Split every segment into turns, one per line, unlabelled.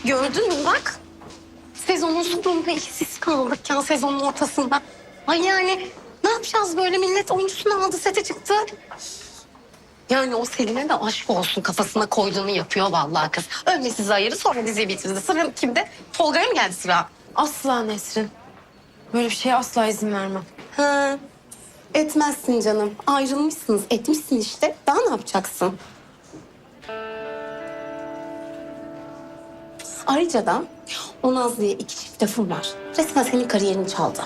Gördün mü bak? Sezonun sonunda işsiz kaldık ya sezonun ortasında. Ay yani ne yapacağız böyle millet oyuncusunu aldı sete çıktı. Yani o Selin'e de aşk olsun kafasına koyduğunu yapıyor vallahi kız. Önce sizi ayırdı sonra diziyi bitirdi. Sıra kimde? Tolga'ya mı geldi sıra?
Asla Nesrin. Böyle bir şeye asla izin vermem.
Ha, etmezsin canım. Ayrılmışsınız etmişsin işte. Daha ne yapacaksın? Ayrıca da o Nazlı'ya 2 çift lafım var. Resmen senin kariyerini çaldı.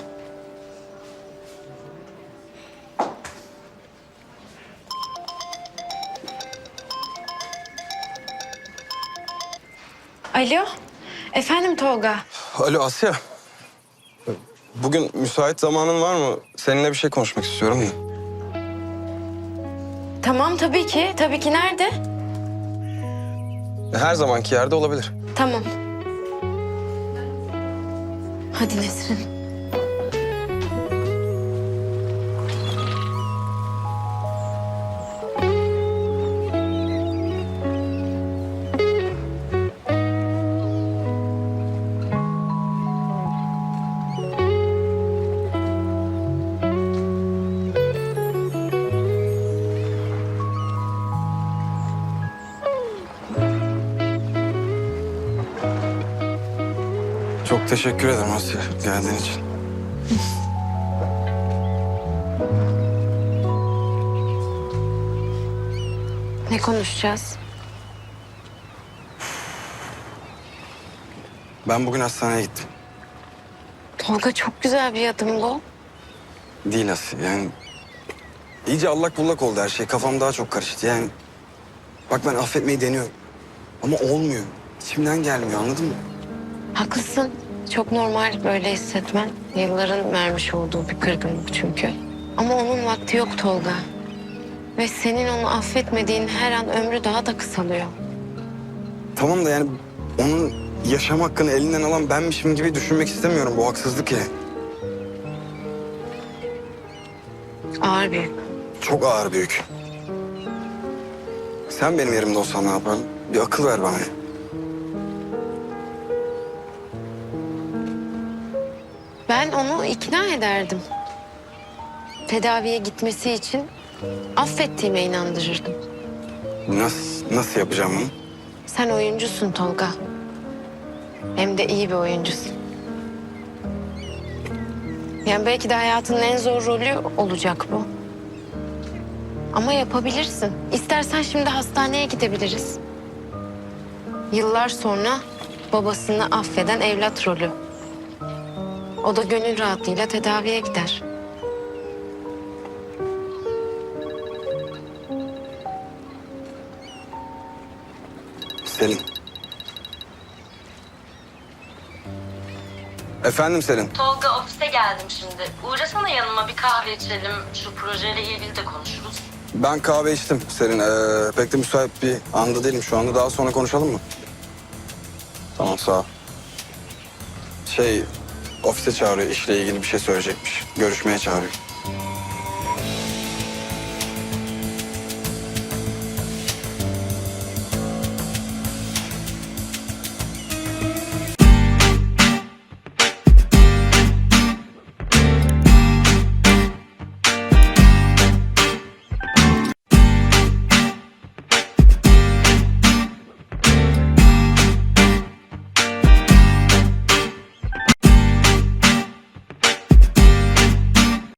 Alo. Efendim Tolga.
Alo Asya. Bugün müsait zamanın var mı? Seninle bir şey konuşmak istiyorum da.
Tamam tabii ki. Tabii ki nerede?
Her zamanki yerde olabilir.
Tamam. Hadi Nesrin.
Çok teşekkür ederim Asya geldiğin için.
Ne konuşacağız?
Ben bugün hastaneye gittim.
Tolga çok güzel bir adım bu.
Değil Asya yani... iyice allak bullak oldu her şey. Kafam daha çok karıştı yani. Bak ben affetmeyi deniyorum. Ama olmuyor. İçimden gelmiyor anladın mı?
Haklısın. Çok normal böyle hissetmen. Yılların vermiş olduğu bir kırgınlık çünkü. Ama onun vakti yok Tolga. Ve senin onu affetmediğin her an ömrü daha da kısalıyor.
Tamam da yani onun yaşam hakkını elinden alan benmişim gibi düşünmek istemiyorum. Bu haksızlık ya.
Ağır bir.
Çok ağır bir yük. Sen benim yerimde olsan ne yapardın? Bir akıl ver bana.
Ben onu ikna ederdim. Tedaviye gitmesi için affettiğime inandırırdım.
Nasıl yapacağım bunu?
Sen oyuncusun Tolga. Hem de iyi bir oyuncusun. Yani belki de hayatının en zor rolü olacak bu. Ama yapabilirsin. İstersen şimdi hastaneye gidebiliriz. Yıllar sonra babasını affeden evlat rolü. O da gönül rahatlığıyla tedaviye gider.
Selin. Efendim Selin.
Tolga ofise geldim şimdi. Uğrasana yanıma bir kahve içelim. Şu projeyle ilgili de konuşuruz.
Ben kahve içtim Selin. Pek de müsait bir anda değilim şu anda. Daha sonra konuşalım mı? Tamam sağ ol. Ofise çağırıyor. İşle ilgili bir şey söyleyecekmiş. Görüşmeye çağırıyor.